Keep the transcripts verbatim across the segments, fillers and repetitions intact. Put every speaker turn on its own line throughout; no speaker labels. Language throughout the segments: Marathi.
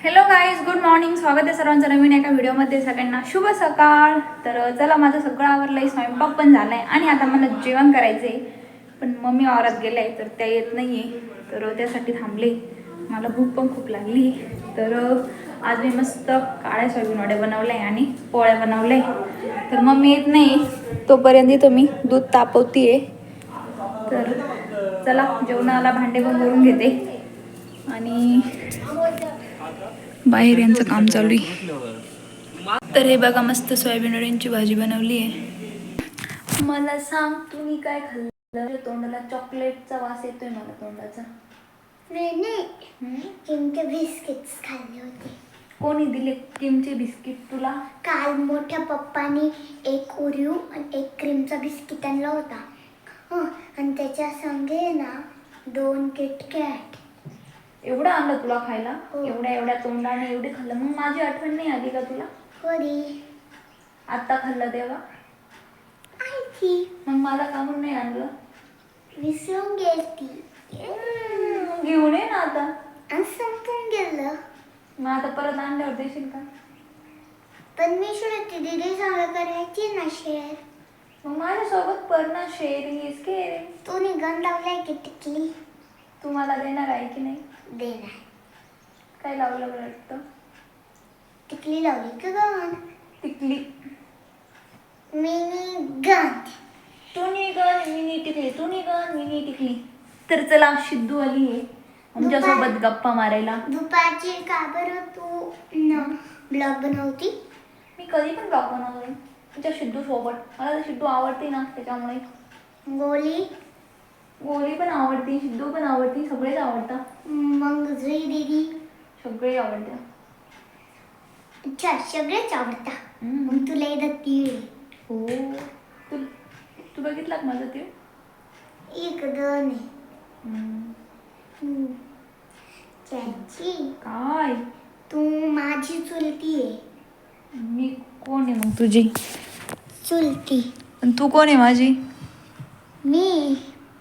Hello guys, good morning. स्वागत आहे सर्वांचं नवीन एका व्हिडिओमध्ये. सगळ्यांना शुभ सकाळ. तर चला, माझं सगळं आवरलं आहे, स्वयंपाक पण झाला आहे आणि आता मला जेवण करायचं आहे. पण मम्मी वावरात गेल्या आहे तर त्या येत नाही आहे, तर त्यासाठी थांबले. मला भूक पण खूप लागली. तर आज मी मस्त काळ्या सोयाबीन वड्या बनवल्या आहे आणि पोळ्या बनवल्या आहे. तर मम्मी येत नाही, तोपर्यंत तो मी दूध तापवते आहे. तर चला, जेवणाला भांडे पण भरून घेते आणि बाहेर यांचं काम चालू आहे. तर हे बघा, मस्त सोयाबीन वड्यांची भाजी बनवली आहे. मला सांग, तुम्ही काय खाल्लं? तोंडाला चॉकलेटचा वास येतोय मला तोंडाचा.
किमचे बिस्किट्स खाल्ले होते.
कोणी दिले किमचे बिस्किट तुला?
काल मोठ्या पप्पानी एक ओरिओ आणि एक क्रीमचा बिस्किट आणला होता. हं, आणि त्याच्या संगे ना दोन किटकॅट.
एवढं आणलं तुला खायला?
हो.
एवढ्या एवढ्या तोंडाने एवढे खाल्लं? मग माझी आठवण नाही आली का तुला?
होरी
आत्ता खाल्लं तेव्हा?
आयची
मग मला का म्हणून नाही आणलं?
विसरून गेली.
हम्म, घेऊन ये ना आता.
आणि संपून गेलं.
मग आता परत आणल्यावर देशील का?
पण मी श्रुती दीदी सांगा करायची ना शेअर.
मग माझ्यासोबत पर ना शेअरिंग इज केअरिंग.
तू निघून लावलाय की टिकली?
तू मला देणार आहे की नाही?
देणार.
काय लावलं बरं वाटतं?
टिकली लावली का गण?
टिकली.
Mini gun.
तू निघन मिनी टिकली, तू निघन मिनी टिकली. तर चला, सिद्धू आली आहे आमच्यासोबत गप्पा मारायला.
दुपारची का बरं तू न ब्लॉग बनवती?
मी कधी पण ब्लॉग बनवते तुमच्या सिद्धू सोबत. मला तर सिद्धू आवडते ना, त्याच्यामुळे.
गोली
गोली पण आवडते, सिद्धू पण आवडते, सगळेच आवडतात.
मग जुई दीदी
सगळे आवडतात.
अच्छा, सगळेच आवडता.
हम्म.
मग तुला येतात तीळ?
हो. तू तू बघितला का माझं ते?
एक दोन आहे.
हम्म.
हम्म. चाची,
काय?
तू माझी चुलती आहे.
मी कोण आहे मग तुझी?
चुलती.
आणि तू कोण आहे माझी?
मी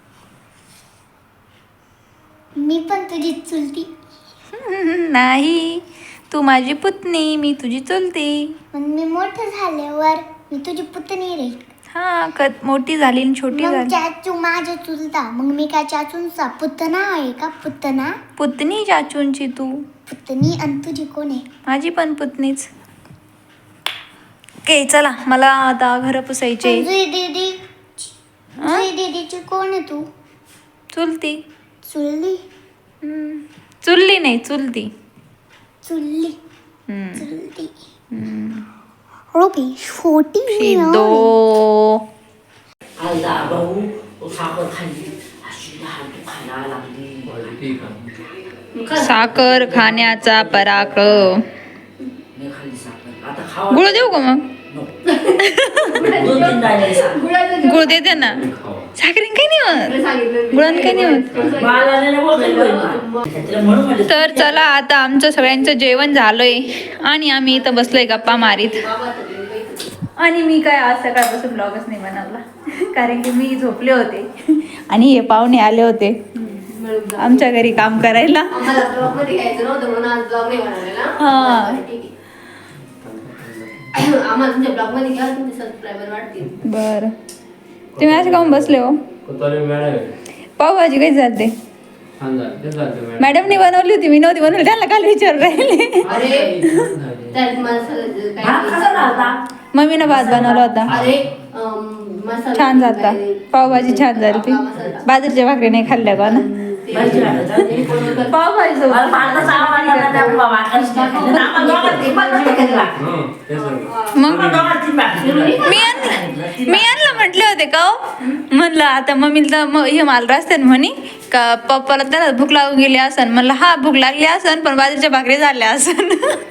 मी पण तुझी चुलती.
नाही, तू माझी पुतणी, मी तुझी चुलती.
पण मी मोठं झाल्यावर मी तुझी पुतणी रे.
हा, कद मोठी झाली आणि छोटी
मग
झाली.
चाचू माझ्या चुलता. मग मी काय चाचूंचा पुतना आहे का? पुतना
पुतणी चाचूंची तू.
पुतणी. आणि तुझी कोण आहे?
माझी पण पुतणीच. ओके, चला, मला आता घर पुसायचे.
जुई दीदी जुई दीदीची कोण आहे तू?
चुलती.
चुलली.
हम्म. चुलली नाही, चुलती.
चुलली.
हम्म.
चुलती.
हम्म.
ओके, छोटी
सिद्धो.
आला भाऊ साखर खाल्ली अशी लहान तू खायला लागली.
साखर खाण्याचा पराक्रम.
मी खाल्ली साखर, आता खावा.
गुळ देऊ का मग?
दोन तीन दाणे साखर.
गुळ देते ना. साखरेन काही नाही होत, गुळान काही नाही होत.
मला नाही बोलत बोल. त्याला म्हणून म्हटलं.
तर चला, आता आमचं सगळ्यांचं जेवण झालंय आणि आम्ही इथं बसलोय गप्पा मारीत. आणि मी काय आज सकाळपासून ब्लॉगच नाही बनवला, कारण की मी झोपले होते आणि हे पाहुणे आले होते आमच्या घरी काम करायला. हा, बर. तुम्ही असे काहून बसले हो? पावभाजी काही चालते? मॅडमनी बनवली होती, मी नव्हती बनवली. त्यांना काल विचार राहिले.
भात कसा झालता?
मम्मीनं भात बनवला होता, छान झालता. पावभाजी छान झाली ती. बाजरीच्या भाकरी नाही खाल्ल्या का ना?
भाजी वाटत.
पावभाजी
मला पाण्याचा आवाज आला त्या बाबा आकाश टाकलं. आम्हाला दोघांना तीन भाकरी खाल्ल्या.
मग
आम्हाला दोघांना तीन भाकरी.
मी आणलं मी आणलं म्हटले होते का हो? म्हणलं आता मम्मीला तर हे माल रस्त्यात म्हणे का पप्पाला त्याला भूक लागून गेली असन. म्हणलं हा, भूक लागली असन पण बाजरीच्या भाकरी झाल्या असन.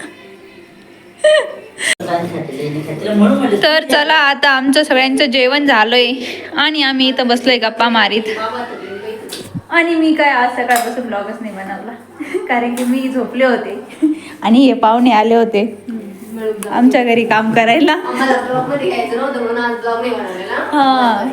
तर चला, आता आमचं सगळ्यांचं जेवण झालंय आणि आम्ही इथं बसलोय गप्पा मारीत. आणि मी काय आज सकाळपासून ब्लॉगच नाही बनवला, कारण की मी झोपले होते आणि हे पाहुणे आले होते आमच्या घरी काम करायला. हा,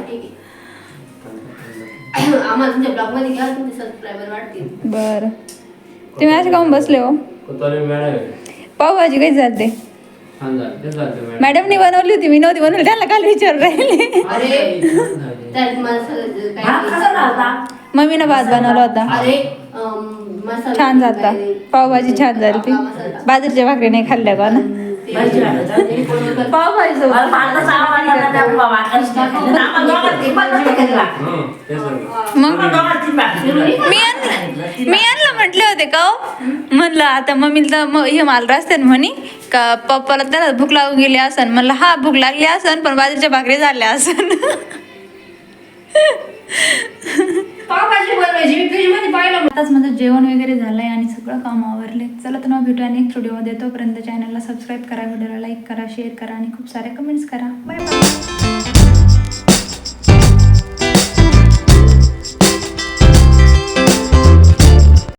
बर. तुम्ही असे काहून बसले हो?
कोतवाली मॅडम आहे.
पावभाजी काही चालते
छान झालं ते चालतं मॅडम.
मॅडमनी बनवली होती, मी नव्हती बनवली. त्यांना काल विचारून राहिले.
अरे
झाली.
त्यात मसाला भात कसा झाला?
मम्मीनं भात बनवला होता,
अरे अम, मसाला
छान झालता. पावभाजी छान झाली ती. बाजरीच्या भाकरी नाही खाल्ल्या का ना.
भाजी वाटत आहे.
पावभाजी सोबत.
मला भातच आवडला ना त्या वाटच टाकून. आम्हाला दोघांना ती पण नव्हती केली भाकर.
हं, तेच ना.
मग
आम्हाला दोघांना ती भाकरी केली.
मी यांना मी यांना म्हटले होते का हो? म्हणलं आता मम्मीला तर हे मला रस्त्यात म्हणे का पप्पाला त्याला भूक लागून गेली असन. म्हणलं हा भूक लागली असन, पण बाजरीच्या भाकरी झाल्या असन.
पावभाजी बनवायची मी फ्रीज मध्ये पाहिलं.
आताच माझं जेवण वगैरे झालंय आणि सगळं काम आवरले. चला तर मग भेटूया नेक्स्ट व्हिडिओमध्ये. तोपर्यंत चॅनलला सबस्क्राईब करा, व्हिडिओला लाईक करा, शेअर करा आणि खूप सारे कमेंट्स करा. Bye bye.